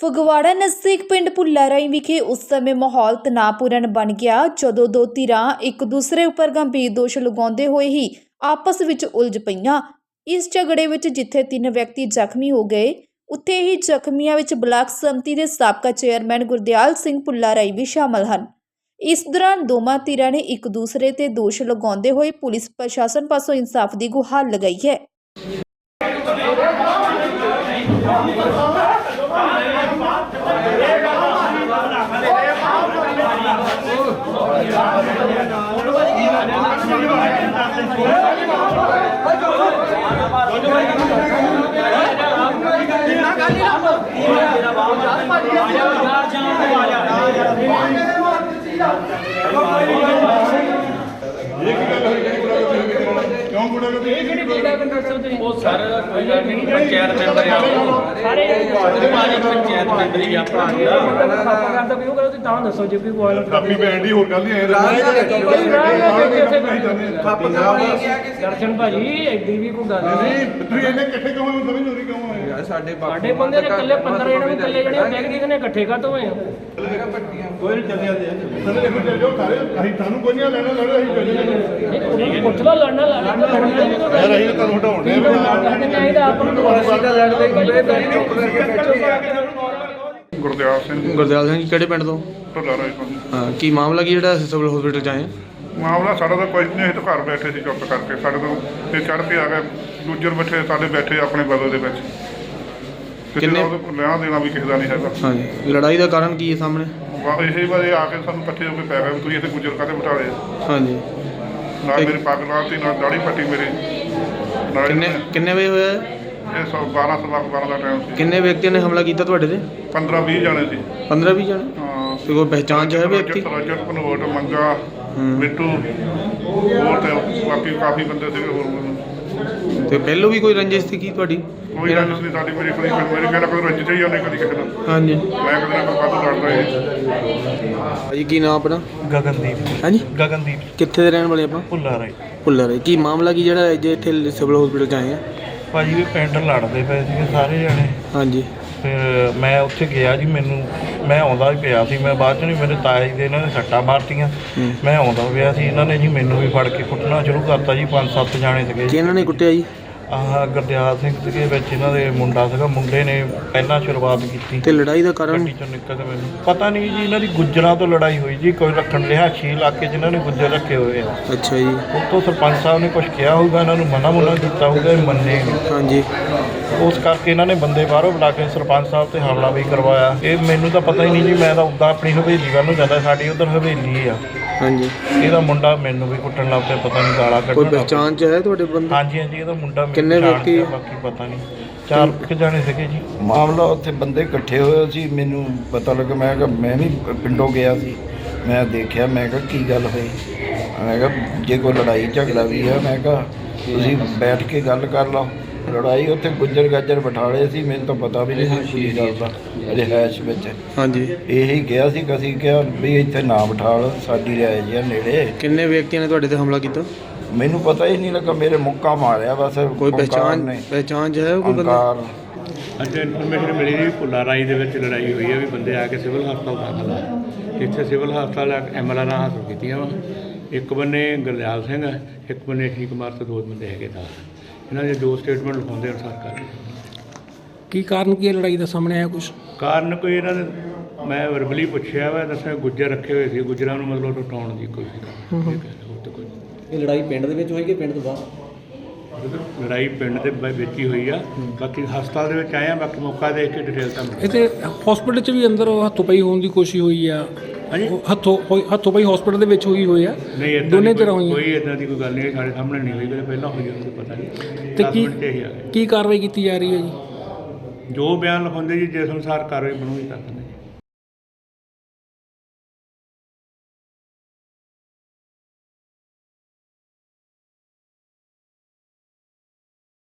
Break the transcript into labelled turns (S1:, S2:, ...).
S1: ਫਗਵਾੜਾ ਨਜ਼ਦੀਕ ਪਿੰਡ ਭੁੱਲਾ ਰਾਈ ਵਿਖੇ ਉਸ ਸਮੇਂ ਮਾਹੌਲ ਤਣਾਅਪੂਰਨ ਬਣ ਗਿਆ ਜਦੋਂ ਦੋ ਧਿਰਾਂ ਇੱਕ ਦੂਸਰੇ ਉੱਪਰ ਗੰਭੀਰ ਦੋਸ਼ ਲਗਾਉਂਦੇ ਹੋਏ ਹੀ ਆਪਸ ਵਿੱਚ ਉਲਝ ਪਈਆਂ। ਇਸ ਝਗੜੇ ਵਿੱਚ ਜਿੱਥੇ 3 ਵਿਅਕਤੀ ਜ਼ਖਮੀ ਹੋ ਗਏ, ਉੱਥੇ ਹੀ ਜ਼ਖਮੀਆਂ ਵਿੱਚ ਬਲਾਕ ਸੰਮਤੀ ਦੇ ਸਾਬਕਾ ਚੇਅਰਮੈਨ ਗੁਰਦਿਆਲ ਸਿੰਘ ਭੁੱਲਾ ਰਾਈ ਵੀ ਸ਼ਾਮਲ ਹਨ। ਇਸ ਦੌਰਾਨ ਦੋਵਾਂ ਧਿਰਾਂ ਨੇ ਇੱਕ ਦੂਸਰੇ ਤੇ ਦੋਸ਼ ਲਗਾਉਂਦੇ ਹੋਏ ਪੁਲਿਸ ਪ੍ਰਸ਼ਾਸਨ ਪਾਸੋਂ ਇਨਸਾਫ ਦੀ ਗੁਹਾਰ ਲਗਾਈ ਹੈ।
S2: पंचायत मेंबर सारे पंचायत मेंबर ही अपना करदा भी करो ਤਾਂ ਦੱਸੋ ਜੇ ਕੋਈ ਬੋਲ
S3: ਕਾਪੀ ਬੈਂਡ ਹੀ ਹੋਰ ਗੱਲ ਨਹੀਂ
S2: ਦਰਸ਼ਨ ਭਾਜੀ ਐਡੀ ਵੀ ਕੋਈ ਗੱਲ ਨਹੀਂ
S3: ਤੁਸੀਂ ਇਹਨੇ ਇਕੱਠੇ ਕਿਉਂ ਸਮਝ ਨਹੀਂ ਰਹੀ ਕਿਉਂ ਆਏ ਯਾਰ ਸਾਡੇ
S2: ਬੰਦੇ ਨੇ ਇਕੱਲੇ 15 ਜਣੇ ਨੂੰ ਇਕੱਲੇ ਜਣੇ ਬੈਗ ਦੀ ਨੇ ਇਕੱਠੇ ਕਾਤੋਂ ਹੋਏ ਆ
S3: ਕੋਈ ਨਹੀਂ ਚੱਲਿਆ ਸਾਰੇ ਦੇਖੋ ਚੱਲ ਜਾਓ ਸਾਰੇ ਅਸੀਂ ਤੁਹਾਨੂੰ ਕੋਈ ਨਹੀਂ ਲੈਣਾ ਲੜੋ ਅਸੀਂ ਚੱਲ ਜਾਵਾਂਗੇ
S2: ਪੁੱਛ ਲਓ ਲੜਨਾ
S3: ਯਾਰ ਅਸੀਂ ਤੁਹਾਨੂੰ ਹਟਾਉਣੇ
S2: ਨਹੀਂ ਤਾਂ ਆਪਾਂ ਨੂੰ ਲੜਦੇ
S3: ਗੁਰਦਿਆਲ ਸਿੰਘ
S4: ਜੀ ਕਿਹੜੇ ਪਿੰਡ ਤੋਂ?
S3: ਭੁੱਲਾ ਰਾਈ ਤੋਂ।
S4: ਹਾਂ, ਕੀ ਮਾਮਲਾ ਕੀ ਜਿਹੜਾ ਸਿਵਲ ਹਸਪੀਟਲ ਚ ਆਏ?
S3: ਮਾਮਲਾ ਸਾਡਾ ਤਾਂ ਕੁਝ ਨਹੀਂ, ਅਸੀਂ ਤਾਂ ਘਰ ਬੈਠੇ ਸੀ ਚੁੱਪ ਕਰਕੇ, ਸਾਡੇ ਤੋਂ ਤੇ ਚੜ੍ਹ ਕੇ ਆ ਗਏ ਦੂਜਰ ਬੱਚੇ ਸਾਡੇ ਬੈਠੇ ਆਪਣੇ ਬਦਲ ਦੇ ਵਿੱਚ।
S4: ਕਿੰਨੇ
S3: ਲੈਣਾ ਦੇਣਾ ਵੀ ਕਿਸੇ ਦਾ ਨਹੀਂ ਹੈਗਾ।
S4: ਹਾਂਜੀ, ਲੜਾਈ ਦਾ ਕਾਰਨ ਕੀ ਹੈ ਸਾਹਮਣੇ?
S3: ਇਹੀ ਵਾਰ ਆ ਕੇ ਸਾਨੂੰ ਇਕੱਠੇ ਹੋ ਕੇ ਪੈ ਗਏ, ਤੁਸੀਂ ਇੱਥੇ ਗੁੱਜਰ ਕਾਹਦੇ ਬਿਠਾ ਲਏ?
S4: ਹਾਂਜੀ,
S3: ਨਾਲ ਮੇਰੀ ਪੱਗ ਲਾਤੀ, ਨਾਲ ਦਾੜੀ ਪੱਟੀ ਮੇਰੀ।
S4: ਕਿੰਨੇ ਵਜੇ ਹੋਇਆ?
S3: ਇਹ 12 ਸਵਾ 12 ਦਾ ਟਾਈਮ ਸੀ।
S4: ਕਿੰਨੇ ਵਿਅਕਤੀਆਂ ਨੇ ਹਮਲਾ ਕੀਤਾ ਤੁਹਾਡੇ ਤੇ?
S3: 15-20 ਜਾਣੇ ਸੀ।
S4: 15-20 ਜਾਣੇ?
S3: ਹਾਂ,
S4: ਤੇ ਕੋਈ ਪਹਿਚਾਣ ਚ ਹੈ ਵਿਅਕਤੀ?
S3: ਰਜਤ ਕਨਵਰਟ ਮੰਗਾ ਮਿੱਟੂ ਹੋਰ ਤੇ ਬਾਕੀ ਕਾਫੀ ਬੰਦੇ ਸੀਗੇ ਹੋਰ।
S4: ਤੇ ਪਹਿਲੋਂ ਵੀ ਕੋਈ ਰੰਜਿਸ਼ ਸੀ ਕੀ ਤੁਹਾਡੀ?
S3: ਕੋਈ ਰੰਜਿਸ਼ ਨਹੀਂ ਸਾਡੀ, ਮੇਰੀ ਕਹਿੰਦਾ ਕੋਈ ਰੰਜਿਸ਼ ਹੀ ਉਹਨੇ ਕਦੀ ਕਿਸੇ ਨਾਲ।
S4: ਹਾਂਜੀ,
S3: ਮੈਂ ਕਦੇ ਨਾ ਕੋਈ ਵਾਧੂ ਲੜਦਾ ਹੀ।
S4: ਭਾਜੀ ਕੀ ਨਾਮ ਆਪਣਾ?
S5: ਗਗਨਦੀਪ।
S4: ਹਾਂਜੀ,
S5: ਗਗਨਦੀਪ।
S4: ਕਿੱਥੇ ਦੇ ਰਹਿਣ ਵਾਲੇ ਆਪਾਂ?
S5: ਭੁੱਲਾ ਰਾਈ।
S4: ਭੁੱਲਾ ਰਾਈ। ਕੀ ਮਾਮਲਾ ਕੀ ਜਿਹੜਾ ਅੱਜ ਇੱਥੇ ਸਿਵਲ ਹਸਪੀਟਲ ਚ ਆਏ ਆ?
S5: ਭਾਜੀ ਵੀ ਪਿੰਡ ਲੜਦੇ ਪਏ ਸੀਗੇ ਸਾਰੇ ਜਣੇ।
S4: ਹਾਂਜੀ,
S5: ਫਿਰ ਮੈਂ ਉੱਥੇ ਗਿਆ ਜੀ, ਮੈਂ ਆਉਂਦਾ ਹੀ ਪਿਆ ਸੀ, ਮੈਂ ਬਾਅਦ 'ਚ ਨਹੀਂ, ਮੇਰੇ ਤਾਇਆ ਜੀ ਦੇ ਇਹਨਾਂ ਨੇ ਸੱਟਾਂ ਮਾਰਤੀਆਂ, ਮੈਂ ਆਉਂਦਾ ਪਿਆ ਸੀ, ਇਹਨਾਂ ਨੇ ਜੀ ਮੈਨੂੰ ਵੀ ਫੜ ਕੇ ਕੁੱਟਣਾ ਸ਼ੁਰੂ ਕਰਤਾ ਜੀ। 5-7 ਜਾਣੇ ਸੀਗੇ।
S4: ਕਿਹਨਾਂ ਨੇ ਕੁੱਟਿਆ ਜੀ?
S5: ਆਹ ਗੁਰਦਿਆਲ ਸਿੰਘ ਸੀਗੇ ਵਿੱਚ, ਇਹਨਾਂ ਦੇ ਮੁੰਡਾ ਸੀਗਾ, ਮੁੰਡੇ ਨੇ ਪਹਿਲਾਂ ਸ਼ੁਰੂਆਤ ਕੀਤੀ।
S4: ਤੇ ਲੜਾਈ ਦਾ ਕਾਰਨ?
S5: ਗੱਡੀ 'ਚੋਂ ਨਿਕਲ ਕੇ ਮੈਨੂੰ ਪਤਾ ਨਹੀਂ ਜੀ, ਇਹਨਾਂ ਦੀ ਗੁੱਜਰਾਂ ਤੋਂ ਲੜਾਈ ਹੋਈ ਜੀ। ਕੋਈ ਰੱਖਣ ਰਿਹਾਇਸ਼ੀ ਇਲਾਕੇ 'ਚ ਇਹਨਾਂ ਨੇ ਗੁੱਜਰ ਰੱਖੇ ਹੋਏ ਆ।
S4: ਅੱਛਾ ਜੀ।
S5: ਉੱਤੋਂ ਸਰਪੰਚ ਸਾਹਿਬ ਨੇ ਕੁਝ ਕਿਹਾ ਹੋਊਗਾ, ਇਹਨਾਂ ਨੂੰ ਮਨਾ ਕੀਤਾ ਹੋਊਗਾ, ਇਹ ਮੰਨੇ ਨਹੀਂ।
S4: ਹਾਂਜੀ,
S5: ਉਸ ਕਰਕੇ ਇਹਨਾਂ ਨੇ ਬੰਦੇ ਬਾਹਰੋਂ ਬੁਲਾ ਕੇ ਸਰਪੰਚ ਸਾਹਿਬ ਤੇ ਹਮਲਾ ਵੀ ਕਰਵਾਇਆ। ਇਹ ਮੈਨੂੰ ਤਾਂ ਪਤਾ ਹੀ ਨਹੀਂ ਜੀ, ਮੈਂ ਤਾਂ ਉੱਦਾਂ ਆਪਣੀ ਹਵੇਲੀ ਵੱਲ ਨੂੰ ਜਾਂਦਾ, ਸਾਡੀ ਉੱਧਰ ਹਵੇਲੀ ਆ। ਹਾਂਜੀ, ਇਹਦਾ ਮੁੰਡਾ ਮੈਨੂੰ ਵੀ ਕੁੱਟਣ ਲੱਗ ਪਿਆ, ਪਤਾ ਨਹੀਂ ਗਾਲਾਂ ਕੱਢਣ।
S4: ਕੋਈ ਪਹਿਚਾਣ ਚ ਹੈ ਤੁਹਾਡੇ ਬੰਦੇ?
S5: ਹਾਂਜੀ, ਇਹਦਾ ਮੁੰਡਾ।
S4: ਕਿੰਨੇ ਵਿਅਕਤੀ?
S5: ਬਾਕੀ ਪਤਾ ਨਹੀਂ, 4 ਜਾਣੇ ਸੀਗੇ ਜੀ।
S6: ਮਾਮਲਾ ਉੱਥੇ ਬੰਦੇ ਇਕੱਠੇ ਹੋਏ ਸੀ, ਮੈਨੂੰ ਪਤਾ ਲੱਗਾ, ਮੈਂ ਕਿਹਾ ਮੈਂ ਵੀ ਪਿੰਡੋਂ ਗਿਆ ਸੀ, ਮੈਂ ਦੇਖਿਆ, ਮੈਂ ਕਿਹਾ ਕੀ ਗੱਲ ਹੋਈ, ਮੈਂ ਕਿਹਾ ਜੇ ਕੋਈ ਲੜਾਈ ਝਗੜਾ ਵੀ ਹੈ, ਮੈਂ ਕਿਹਾ ਤੁਸੀਂ ਬੈਠ ਕੇ ਗੱਲ ਕਰ ਲਓ। ਲੜਾਈ ਉੱਥੇ ਗੁੱਜਰ ਗਾਜਰ ਬਿਠਾਲੇ ਸੀ, ਮੈਨੂੰ ਤਾਂ ਪਤਾ ਵੀ ਨਹੀਂ ਸੀ ਕੀ ਗੱਲ ਦਾ ਰਿਹਾਇਸ਼ ਵਿੱਚ।
S4: ਹਾਂਜੀ,
S6: ਇਹੀ ਕਿਹਾ ਸੀ ਕਿ ਅਸੀਂ ਕਿਹਾ ਵੀ ਇੱਥੇ ਨਾ ਬਿਠਾਲ, ਸਾਡੀ ਰਿਹਾਇਸ਼ ਆ ਨੇੜੇ।
S4: ਕਿੰਨੇ ਵਿਅਕਤੀਆਂ ਨੇ ਤੁਹਾਡੇ ਤੇ ਹਮਲਾ ਕੀਤਾ?
S6: ਮੈਨੂੰ ਪਤਾ ਹੀ ਨਹੀਂ ਲੱਗਾ, ਮੇਰੇ ਮੁੱਕਾ ਮਾਰਿਆ ਬਸ।
S4: ਕੋਈ ਪਹਿਚਾਣ ਚ ਹੈ ਕੋਈ ਬੰਦਾ?
S7: ਅੱਜ ਇਨਫੋਰਮੇਸ਼ਨ ਮਿਲੀ ਸੀ ਭੁੱਲਾ ਰਾਈ ਦੇ ਵਿੱਚ ਲੜਾਈ ਹੋਈ ਹੈ, ਵੀ ਬੰਦੇ ਆ ਕੇ ਸਿਵਲ ਹਸਪਤਾਲ ਦਾਖਲ ਆ। ਇੱਥੇ ਸਿਵਲ ਹਸਪਤਾਲ MLR ਹਾਸਲ ਕੀਤੀਆਂ ਵਾ। ਇੱਕ ਬੰਨੇ ਗੁਰਦਿਆਲ ਸਿੰਘ ਹੈ, ਇੱਕ ਬੰਨੇ ਠੀਕ ਕੁਮਾਰ ਤੇ 2 ਬੰਦੇ ਹੈਗੇ ਤਾਂ ਇਹਨਾਂ ਦੇ 2 ਸਟੇਟਮੈਂਟ ਲਿਖਾਉਂਦੇ ਅਨੁਸਾਰ ਕਰ।
S8: ਕੀ ਕਾਰਨ ਕੀ ਹੈ ਲੜਾਈ ਦਾ ਸਾਹਮਣੇ ਆਇਆ ਕੁਛ?
S7: ਕਾਰਨ ਕੋਈ ਇਹਨਾਂ ਨੇ, ਮੈਂ ਵਰਬਲੀ ਪੁੱਛਿਆ ਵਾ, ਦੱਸਿਆ ਗੁੱਜਰ ਰੱਖੇ ਹੋਏ ਸੀ, ਗੁੱਜਰਾਂ ਨੂੰ ਮਤਲਬ ਟੁੱਟਾਉਣ ਦੀ ਕੋਸ਼ਿਸ਼ ਕਰ।
S8: ਇਹ ਲੜਾਈ ਪਿੰਡ ਦੇ ਵਿੱਚ ਹੋਈ ਕਿ ਪਿੰਡ ਤੋਂ ਬਾਹਰ?
S7: ਲੜਾਈ ਪਿੰਡ ਦੇ ਵਿੱਚ ਹੀ ਹੋਈ ਆ, ਬਾਕੀ ਹਸਪਤਾਲ ਦੇ ਵਿੱਚ ਆਏ ਆ, ਬਾਕੀ ਮੌਕਾ ਦੇਖ ਕੇ ਡਿਟੇਲ ਤਾਂ
S8: ਇੱਥੇ ਹਸਪੀਟਲ 'ਚ ਵੀ ਅੰਦਰ ਹੱਥੋਂ ਪਈ ਹੋਣ ਦੀ ਕੋਸ਼ਿਸ਼ ਹੋਈ ਆ।
S7: ਹਾਂਜੀ,
S8: ਹੱਥੋਂ ਪਈ ਹਸਪੀਟਲ ਦੇ ਵਿੱਚ ਹੋਈ ਹੋਈ ਆ।
S7: ਨਹੀਂ,
S8: ਦੋਨੇ ਤਰ੍ਹਾਂ ਹੋਈਆਂ।
S7: ਕੋਈ ਇਦਾਂ ਦੀ ਕੋਈ ਗੱਲ ਨਹੀਂ, ਸਾਡੇ ਸਾਹਮਣੇ ਨਹੀਂ ਹੋਈ, ਪਹਿਲਾਂ ਹੋਈ ਉਹਨੂੰ ਪਤਾ ਨਹੀਂ।
S8: ਤੇ ਕੀ ਕਾਰਵਾਈ ਕੀਤੀ ਜਾ ਰਹੀ ਹੈ ਜੀ?
S7: ਜੋ ਬਿਆਨ ਲਿਖਾਉਂਦੇ ਜੀ, ਜਿਸ ਅਨੁਸਾਰ ਕਾਰਵਾਈ ਬਣੂਗੀ ਕਰ ਦਿੰਦੇ ਜੀ।